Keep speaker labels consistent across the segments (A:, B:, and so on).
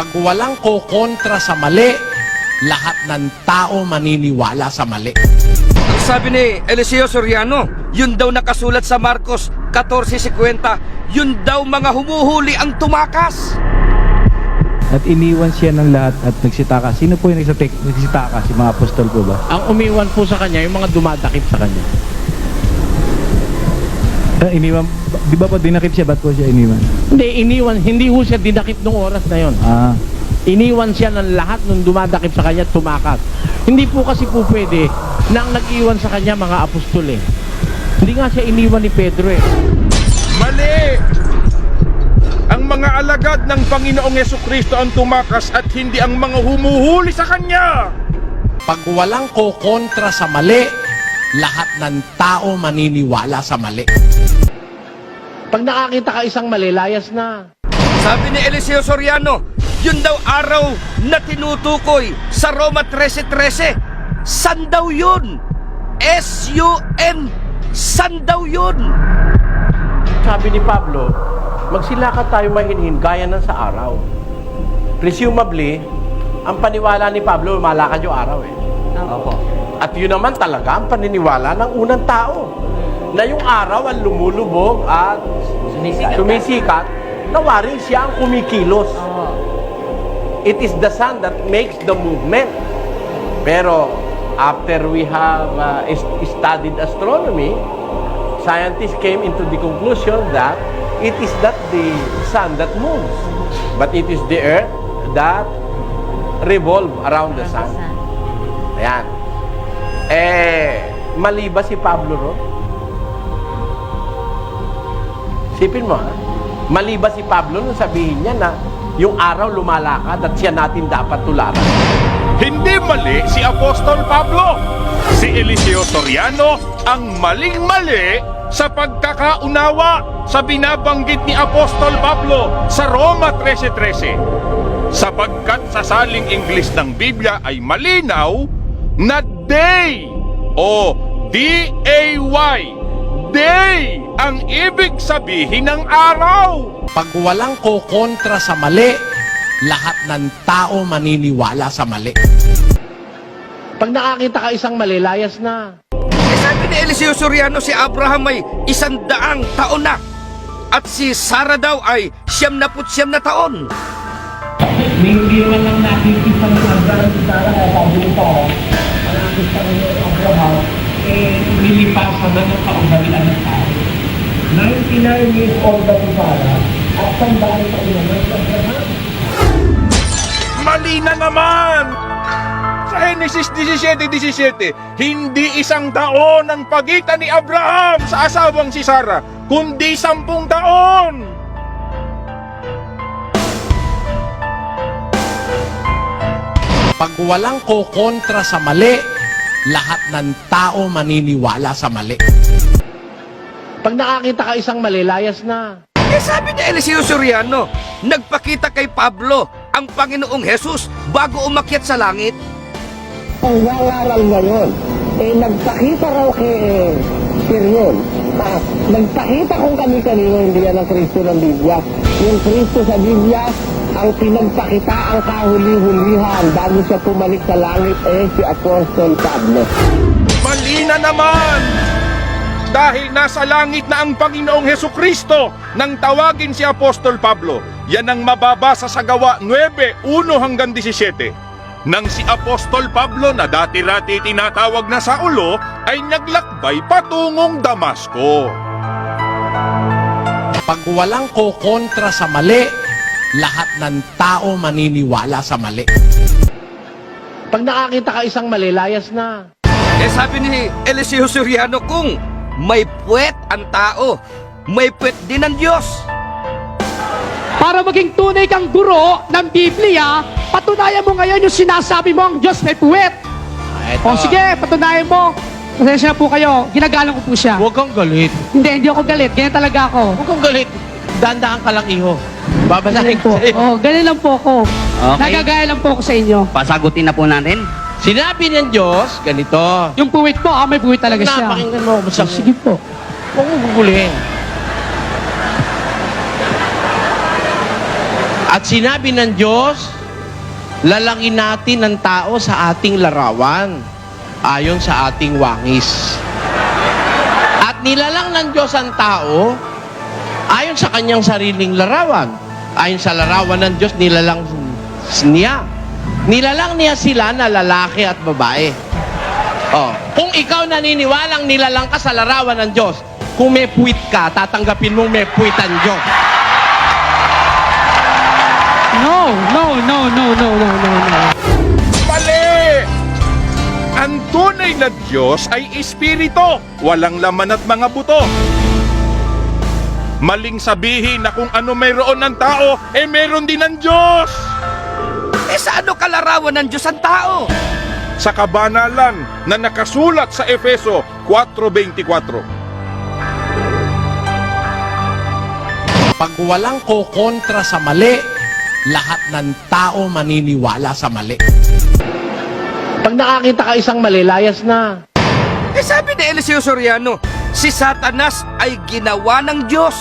A: Pag walang kokontra sa mali, lahat ng tao maniniwala sa mali.
B: Sabi ni Eliseo Soriano, yun daw nakasulat sa Marcos 14:50, yun daw mga humuhuli ang tumakas.
C: At iniwan siya ng lahat at nagsitaka. Sino po yung nagsitaka? Si mga apostol po ba?
A: Ang umiwan po sa kanya, yung mga dumadakip sa kanya.
C: Iniwan, di ba po dinakip siya? Ba't po siya iniwan?
A: Hindi ho siya dinakip nung oras na yon. Iniwan siya ng lahat nung dumadakip sa kanya at tumakas. Hindi po kasi po pwede na ang nag-iwan sa kanya mga apostol eh. Hindi nga siya iniwan ni Pedro eh.
D: Mali! Ang mga alagad ng Panginoong Hesukristo ang tumakas at hindi ang mga humuhuli sa Kanya.
A: Pag walang kokontra sa mali, lahat ng tao maniniwala sa mali. Pag nakakita ka isang mali, layas na.
B: Sabi ni Eliseo Soriano, yun daw araw na tinutukoy sa Roma 13:13. San daw yun? S-U-N. San daw yun?
A: Sabi ni Pablo, magsilakad tayo mahinhin gaya ng sa araw. Presumably, ang paniwala ni Pablo, malakad yung araw eh.
B: Opo.
A: At yun naman talaga ang paniniwala ng unang tao. Na yung araw ang lumulubog at sumisikat, nawaring siya ang kumikilos. It is the sun that makes the movement. Pero after we have studied astronomy, scientists came into the conclusion that it is not the sun that moves, but it is the earth that revolve around the sun. Ayan. Mali ba si Pablo ron? Sipin mo, ha? Mali ba si Pablo nung sabihin niya na yung araw lumalakad at siya natin dapat tularan?
D: Hindi mali si Apostol Pablo. Si Eliseo Soriano ang maling-mali sa pagkakaunawa sa binabanggit ni Apostol Pablo sa Roma 13:13. Sapagkat sa saling Ingles ng Biblia ay malinaw na day o D-A-Y, day ang ibig sabihin ng araw.
A: Pag walang kokontra sa mali, lahat ng tao maniniwala sa mali. Pag nakakita ka isang mali, layas na.
B: Sabi ni Eliseo Soriano, si Abraham ay 100 taon na. At si Sarah daw ay 99 na taon.
E: Hindi naman lang nakikita ng Abraham si Sarah, kaya sabi ni Sarah, nakikita ko yung Abraham, nilipasan na ng kaugalian ng tao. 99 years old na si Sarah, at sandaan pa rin naman si Abraham.
D: Mali na naman! Sa Genesis 17:17, hindi 1 taon ang pagitan ni Abraham sa asawang si Sarah, kundi 10 taon!
A: Pag walang kokontra sa mali, lahat ng tao maniniwala sa mali. Pag nakakita ka isang mali, layas na.
B: Sabi ni Eliseo Soriano, nagpakita kay Pablo ang Panginoong Jesus bago umakyat sa langit.
E: Ang nangaral ngayon, nagpakita raw kay Sirion. Nagpakita kung kami-kanino, hindi yan ang Kristo ng Biblia. Yung Kristo sa Biblia, ang pinagpakita ang kahuli-hulihan bago siya pumalik sa langit si Apostol Pablo.
D: Mali na naman! Dahil nasa langit na ang Panginoong Hesukristo nang tawagin si Apostol Pablo. Yan ang mababasa sa Gawa 9:1-17. Nang si Apostol Pablo na dati-rati tinatawag na Saulo ay naglakbay patungong Damasco.
A: Pag walang kokontra sa mali, lahat ng tao maniniwala sa mali. Pag nakakita ka isang mali, layas na.
B: Sabi ni Eliseo Soriano, kung may puwet ang tao, may puwet din ang Diyos.
F: Para maging tunay kang guro ng Biblia, patunayan mo ngayon yung sinasabi mo ang Diyos may puwet. O sige, patunayan mo. Pasensya na po kayo, ginagalang ko po siya.
A: Huwag kang galit.
F: Hindi ako galit, ganyan talaga ako.
A: Huwag kang galit. Dandahan ka lang, iho. Babasahin
F: po.
A: ko sa'yo.
F: Oh, ganyan lang po ako.
G: Okay.
F: Nagagaya lang po ako sa inyo.
G: Pasagutin na po natin.
A: Sinabi ng Diyos, ganito.
F: Yung puwit po, may puwit talaga siya.
A: Napakinggan mo.
F: Sige po.
A: Huwag mo gugulihin. At sinabi ng Diyos, lalangin natin ang tao sa ating larawan, ayon sa ating wangis. At nilalang ng Diyos ang tao, ayon sa kanyang sariling larawan. Ayon sa larawan ng Diyos, nilalang niya. Nilalang niya sila na lalaki at babae. Oh, kung ikaw naniniwalang nilalang ka sa larawan ng Diyos, kung may puwit ka, tatanggapin mong may puwit ang Diyos.
F: No.
D: Mali! Ang tunay na Diyos ay espiritu, walang laman at mga buto. Maling sabihin na kung ano mayroon ng tao, mayroon din ng Diyos.
B: Sa ano kalarawan ng Diyos ang tao?
D: Sa kabanalan na nakasulat sa Efeso 4:24.
A: Pag walang kokontra sa mali, lahat ng tao maniniwala sa mali. Pag nakakita ka isang mali, layas na.
B: Sabi ni Eliseo Soriano, si Satanas ay ginawa ng Diyos.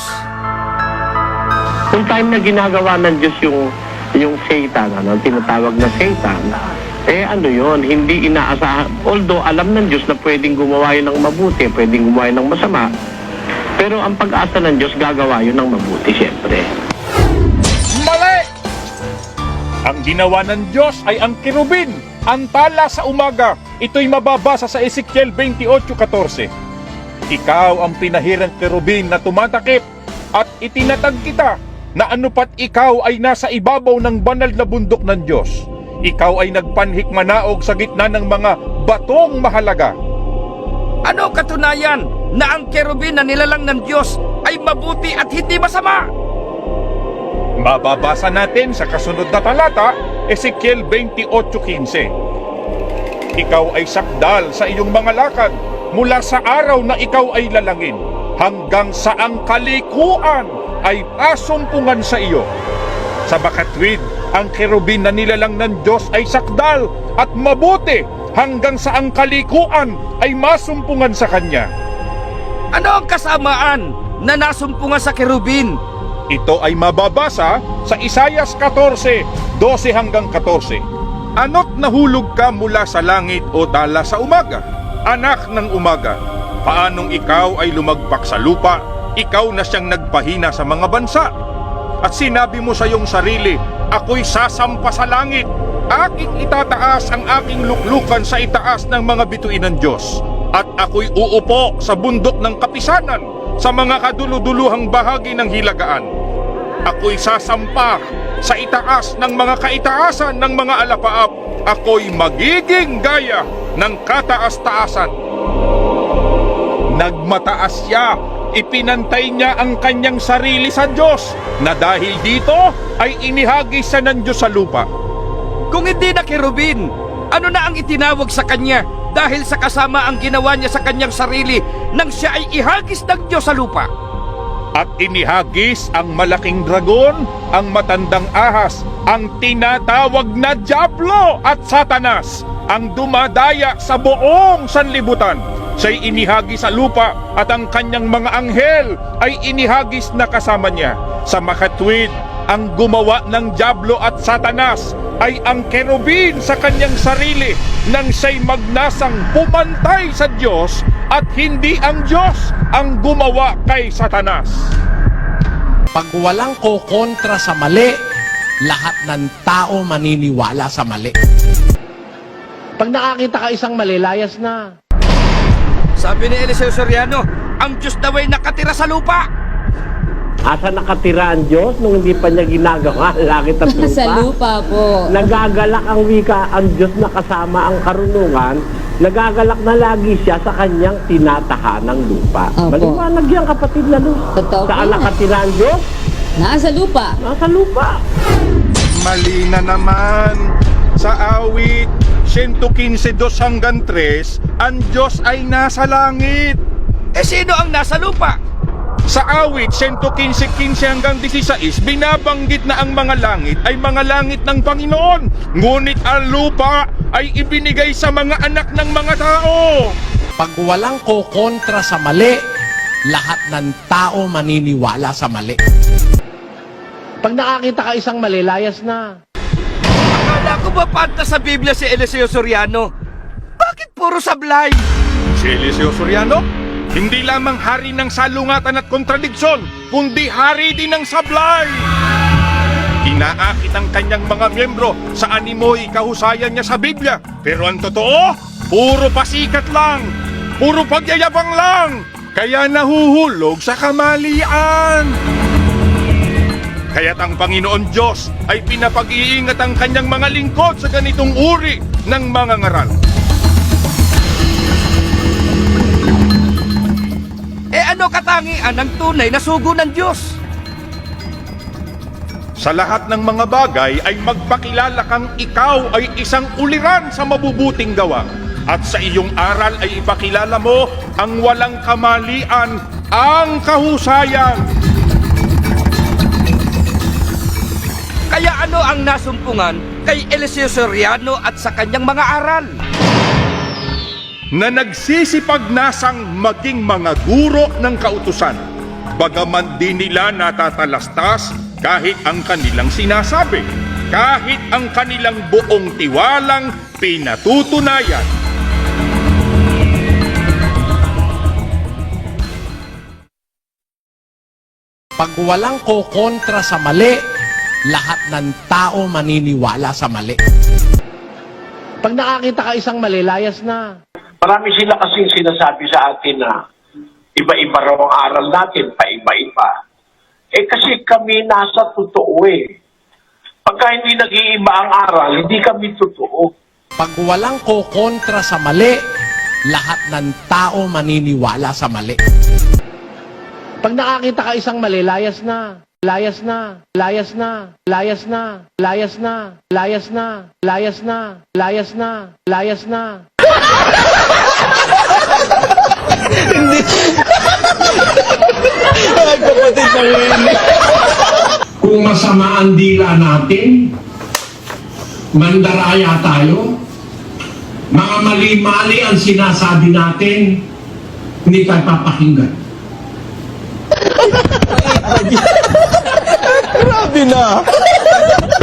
E: Kung time na ginagawa ng Diyos yung Satan, ang tinatawag na Satan, ano yun, hindi inaasahan. Although alam ng Diyos na pwedeng gumawa yun ng mabuti, pwedeng gumawa yun ng masama, pero ang pag-asa ng Diyos gagawa yun ng mabuti, siyempre.
D: Mali! Ang ginawa ng Diyos ay ang kirubin, ang tala sa umaga. Ito'y mababasa sa Ezekiel 28:14. Ikaw ang pinahirang kirubin na tumatakip at itinatag kita na anupat ikaw ay nasa ibabaw ng banal na bundok ng Diyos. Ikaw ay nagpanhik manaog sa gitna ng mga batong mahalaga.
B: Ano katunayan na ang kerubin na nilalang ng Diyos ay mabuti at hindi masama?
D: Mababasa natin sa kasunod na talata, Ezekiel 28:15. Ikaw ay sakdal sa iyong mga lakad mula sa araw na ikaw ay lalangin hanggang sa ang kalikuan ay pasumpungan sa iyo. Sa makatwid, ang kerubin na nilalang ng Diyos ay sakdal at mabuti hanggang sa ang kalikuan ay masumpungan sa kanya.
B: Ano ang kasamaan na nasumpungan sa kerubin?
D: Ito ay mababasa sa Isaias 14:12-14. Ano't nahulog ka mula sa langit o tala sa umaga, anak ng umaga? Paanong ikaw ay lumagpak sa lupa? Ikaw na siyang nagpahina sa mga bansa. At sinabi mo sa iyong sarili, ako'y sasampa sa langit. Aking itataas ang aking luklukan sa itaas ng mga bituin ng Diyos. At ako'y uupo sa bundok ng kapisanan, sa mga kaduluduluhang bahagi ng hilagaan. Ako'y sasampa sa itaas ng mga kaitaasan ng mga alapaap. Ako'y magiging gaya ng kataas-taasan. Nagmataas siya, ipinantay niya ang kanyang sarili sa Diyos, na dahil dito ay inihagis siya ng Diyos sa lupa.
B: Kung hindi na kerubin, ano na ang itinawag sa kanya dahil sa kasama ang ginawa niya sa kanyang sarili nang siya ay ihagis ng Diyos sa lupa?
D: At inihagis ang malaking dragon, ang matandang ahas, ang tinatawag na Diablo at Satanas, ang dumadaya sa buong sanlibutan. Siya'y inihagis sa lupa at ang kanyang mga anghel ay inihagis na kasama niya. Sa makatwid, ang gumawa ng Diablo at Satanas ay ang kerubin sa kanyang sarili nang siya'y magnasang pumantay sa Diyos at hindi ang Diyos ang gumawa kay Satanas.
A: Pag walang kokontra sa mali, lahat ng tao maniniwala sa mali. Pag nakakita ka isang mali, layas na.
B: Sabi ni Eliseo Soriano, ang Diyos daw ay nakatira sa lupa.
E: Asa nakatira ang Diyos nung hindi pa niya ginagawa ang langit at lupa?
G: Sa lupa po.
E: Nagagalak ang wika ang Diyos na kasama ang karunungan. Nagagalak na lagi siya sa kanyang tinatahanang lupa.
G: Opo.
E: Maliwanag yan, kapatid na Luz.
G: Totoo po
E: Saan
G: yan.
E: nakatira ang Diyos?
G: Nasa lupa.
E: Nasa lupa.
D: Mali na naman. Sa awit 115:2-3, ang Diyos ay nasa langit.
B: Sino ang nasa lupa?
D: Sa awit 115:15-16, binabanggit na ang mga langit ay mga langit ng Panginoon. Ngunit ang lupa ay ibinigay sa mga anak ng mga tao.
A: Pag walang kokontra sa mali, lahat ng tao maniniwala sa mali. Pag nakakita ka isang mali, layas na.
B: Akala Akala ko ba panta sa Biblia si Eliseo Soriano? Bakit puro sablay?
D: Si Eliseo Soriano, hindi lamang hari ng salungatan at kontradiksyon, kundi hari din ng sablay. Inaakit ang kanyang mga miyembro sa animoy kahusayan niya sa Biblia. Pero ang totoo, puro pasikat lang, puro pagyayabang lang, kaya nahuhulog sa kamalian. Kaya't ang Panginoon Diyos ay pinapag-iingat ang kanyang mga lingkod sa ganitong uri ng mga ngaral.
B: Ano katangian ng tunay na sugo ng Diyos?
D: Sa lahat ng mga bagay ay magpakilala kang ikaw ay isang uliran sa mabubuting gawa. At sa iyong aral ay ipakilala mo ang walang kamalian, ang kahusayan.
B: Kaya ano ang nasumpungan kay Eliseo Soriano at sa kanyang mga aral?
D: Na nagsisipag-nasang maging mga guro ng kautusan, bagaman di nila natatalastas kahit ang kanilang sinasabi, kahit ang kanilang buong tiwalang pinatutunayan.
A: Pag walang kokontra sa mali, lahat ng tao maniniwala sa mali. Pag nakakita ka isang mali, layas na.
E: Marami sila kasing sinasabi sa atin na iba-iba raw ang aral natin, paiba-iba. Kasi kami nasa totoo eh. Pagka hindi nag-iiba ang aral, hindi kami totoo.
A: Pag walang kokontra sa mali, lahat ng tao maniniwala sa mali. Pag nakakita ka isang mali, layas na. Layas na, layas na, layas na, layas na, layas na, layas na, layas na, layas na.
H: Kung masama ang dila natin, mandaraya tayo, mga mali-mali ang sinasabi natin, hindi tayo papakinggan.
A: Grabe na.